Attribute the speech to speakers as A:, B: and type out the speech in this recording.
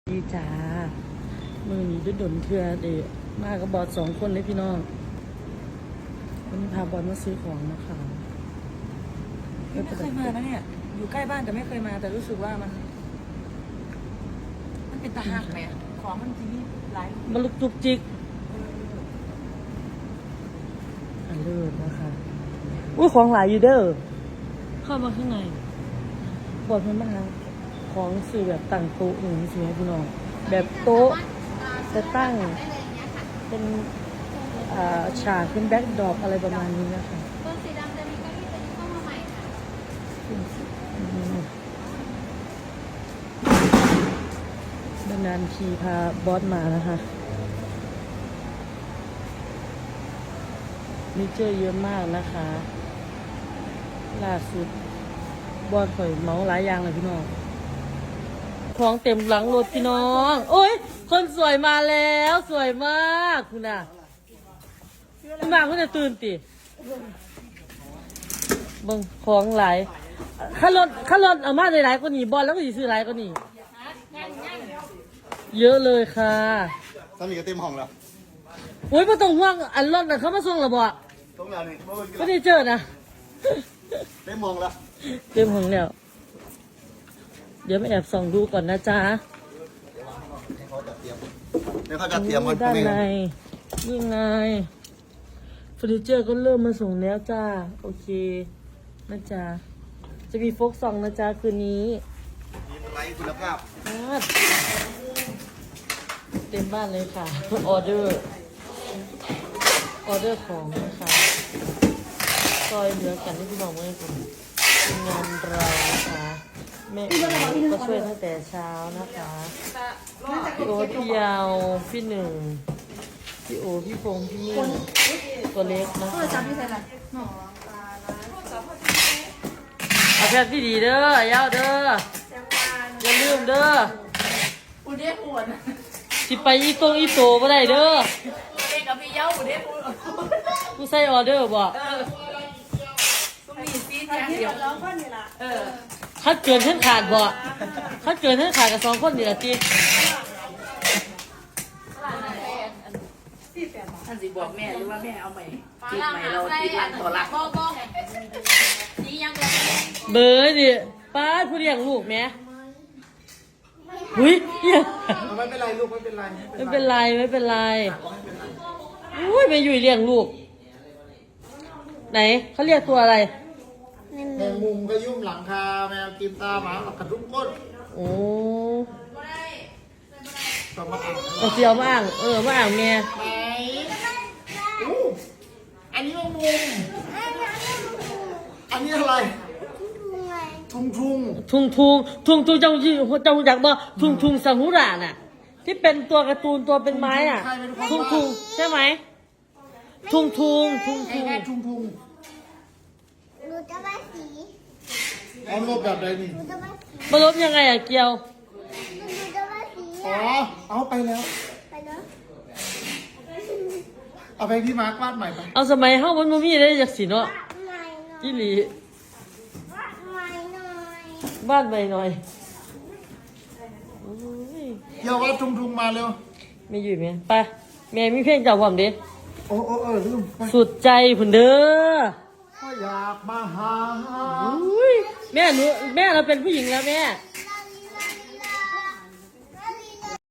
A: ดีจ้ามือนี้ด้วยดนเทือเดะมากับบอด2 คนเลยพี่น้องวันนี้พาบอดมาซื้อของนะคะ
B: ไม่เคยมานะเนี่ยอยู่ใกล้บ้านแต่ไม่เคยมาแต่รู้สึกว่ามันเป็นตาหักไหมของมันที่นี่หลาย
A: มาลุกจุกจิกอันเลิศนะคะอุ้ยของหลายอยู่เด้อเข้ามาข้างในบอดมันมาหาของสื่อแบบตั้งโต๊ะอย่างนี้ใช่ไหมพี่น้องแบบโต๊ะจะตั้งเป็นฉากเป็นแบ็คดรอปอะไรประมาณนี้นะคะ
C: ตัวสีดำจะมีเก้าอี้ตัวนี้เข้ามาใหม่ค่ะ
A: นานๆทีพาบอสมานะคะมีเจอเยอะมากนะคะล่าสุดบอสข่อยเมาหลายอย่างเลยพี่น้องของเต็มหลังรถพี่น้องโอ้ยคนสวยมาแล้วสวยมากคุณน่ะคุณมาคุณจะตื่นติบังของหลายข้ารถเอามาหลายๆก็หนีบอลแล้วก็หนีซื้อหลายก็หนีเยอะเลยค่ะ
D: สามีก็เต็มห้องแล้ว
A: โอ้ยไม่ต้องห่วงอันรถน่ะเขามาส่งหรอบ่
D: ตรงนั้นนี่
A: ไม่ได้เจอนะ
D: เต็มห้องแล้ว
A: เต็มห้องแล้วเดี๋ยวมาแอบส่องดูก่อนนะจ๊ะ
D: เขาจะเตรียม
A: ด้านในนี่ไงเฟอร์นิเจอร์ก็เริ่มมาส่งแล้วจ้าโอเคนะจ๊ะจะมีโฟกซองนะจ๊ะคืนนี้
D: มีไลท์คุณภาพ
A: เต็มบ้านเลยค่ะออเดอร์ของนะคะซอยเหลือกันที่พี่น้องเมื่อกี้งานเรานะคะแม่ก็ช่วยตั้งแต่เช้านะคะพี่โอ๊ตพี่ยาวพี่หนึ่งพี่โอพี่พงพี่มิ่งตัวเล็กนะคะเอาแพทย์พี่ดีเด้อยาวเด้ออย่าลืมเด้อ
B: อุเดปวด
A: สิไปอีโตบ่ได้เด้อ
B: เด็กกับพี่เย้าอุเดปวด
A: กูใส่ออเดอร์บ่
B: ต้องมีซีแทนเดียว
A: ถ้าเกินท่านขาดบ่ถ้าเกินท่านขาดกับ2 คนนี่ละจี
B: ท่านสิบอกแม่หรือว่าแม่เอาใหม่ติดใหม่เราติดอันต่อหลัก
C: นี่ยังเลย
A: เบอร์ดิป้าผู้เลี้ยงลูกแม่หุ้ย
D: ไม่เป็นไรลูกไม่เป็นไร
A: ไม่เป็นไรอุ้ยไปอยู่เลี้ยงลูกไหนเขาเรียกตัวอะไร
D: แมงมุมก็ยุ่มหลังคาแมวกินตาหมากับกระดุมก้น
A: โอ้
D: ก็มาอ่าง
A: เอาเสียวมาอ่างมาอ่างแม่
D: ไหนอันนี้แมงมุมอันนี้อะไร
A: ทุงเจ้าอยากบอกทุงสังหุราน่ะที่เป็นตัวการ์ตูนตัวเป็นไม้อ่ะทุงใช่ไหมทุง
C: ดูจะมาสี
D: เอาลบแบบไหนนี่
A: มาลบยังไงอ่ะเกียว
C: ดูจะมาสี
D: อ๋อเอาไปแล้ว
C: ไปเนาะ
D: เอาไปพี่มาร์ควาดใหม่ไป
A: เอาสมัยเฮามันบ่มีได้จากสิเนาะอีหลีบ้านใหม่หน่อย
D: เดี๋ยวว่าทุงมาเร็ว
A: ไม่อยู่ไหมไปแม่มีเพลงเจ้าความเด้
D: โอ้ลืม
A: สุดใจผุนเด้อ
D: ก็อยากมาหา
A: แม่เราเป็นผู้หญิงแล้วแม่